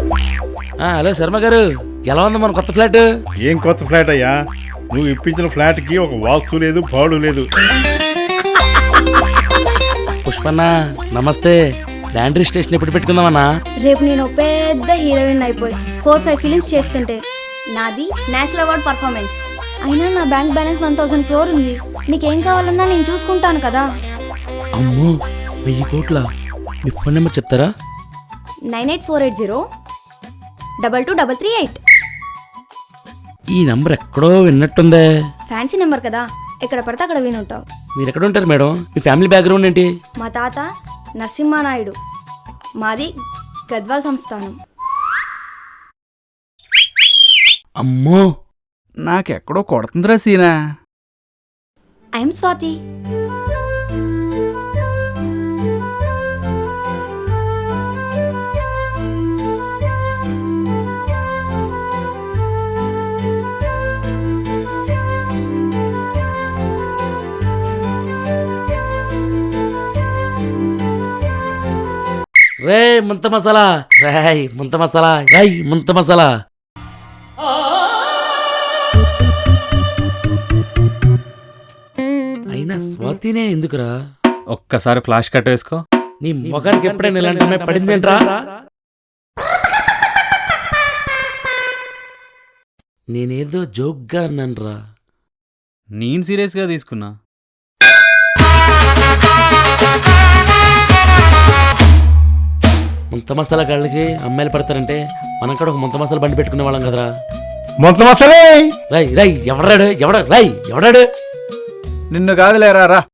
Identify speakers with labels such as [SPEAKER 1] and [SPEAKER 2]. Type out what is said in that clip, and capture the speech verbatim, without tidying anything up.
[SPEAKER 1] Hello Sharma గారు, ఎలా ఉంది మన కొత్త ఫ్లాట్?
[SPEAKER 2] ఏం కొత్త ఫ్లాట్ అయ్యా? నువ్వు ఇప్పించిన ఫ్లాట్ కి ఒక వాస్తు లేదు, పాడు లేదు.
[SPEAKER 1] పుష్పన్న నమస్తే. ల్యాండ్ రిజిస్ట్రేషన్ ఎప్పుడు పెట్టుకుందామన్నా?
[SPEAKER 3] రేపు నేను పెద్ద హీరోయిన్ అయిపోయి ఫోర్ ఫైవ్ ఫిలిమ్స్ చేస్తుంటే నాది నేషనల్ అవార్డ్ పర్ఫార్మెన్స్. అయినా నా bank balance one thousand crore ఉంది. నీకేం కావాలన్నా నేను చూసుకుంటాను కదా.
[SPEAKER 1] అమ్మో, వెయ్యి కోట్ల. మీ ఫోన్ నెంబర్ చెప్తారా?
[SPEAKER 3] Nine eight four eight zero double two double three eight.
[SPEAKER 1] ఈ నంబర్ ఎక్కడో విన్నట్టుందే.
[SPEAKER 3] ఫ్యాన్సీ నెంబర్ కదా, ఎక్కడ పడితే అక్కడ వినుంటావు.
[SPEAKER 1] మీరు ఎక్కడ ఉంటారు మేడం? మీ ఫ్యామిలీ బ్యాక్గ్రౌండ్ ఏంటి?
[SPEAKER 3] మా తాత నరసింహానాయుడు, మాది గద్వాల్ సంస్థానం.
[SPEAKER 1] అమ్మో,
[SPEAKER 4] నాకెక్కడో కొడుతుందిరా సీనా.
[SPEAKER 3] ఐఎమ్ స్వాతి.
[SPEAKER 1] రే ముంత మసాలా, రాయ్ ముంత మసాలా, రాయ్ ముంత మసాలా. అయినా స్వాతినే ఎందుకురా?
[SPEAKER 5] ఒక్కసారి ఫ్లాష్ కట్ వేసుకో.
[SPEAKER 1] నీ మొగానికి ఎప్పుడైనా ఇలాంటి అమ్మాయి పడిందేంట్రా? నేనేదో జోక్గా అన్నానురా.
[SPEAKER 5] నేను సీరియస్గా తీసుకున్నా.
[SPEAKER 1] ముంత మసాలా గాళ్ళకి అమ్మాయిలు పడతారంటే మనం కూడా ఒక ముంత మసాలా బండి పెట్టుకునే వాళ్ళం కదరా.
[SPEAKER 2] మొత్తం అసలే
[SPEAKER 1] రై రై ఎవడాడు ఎవడ రై ఎవడాడు?
[SPEAKER 4] నిన్ను కాదులేరా రా.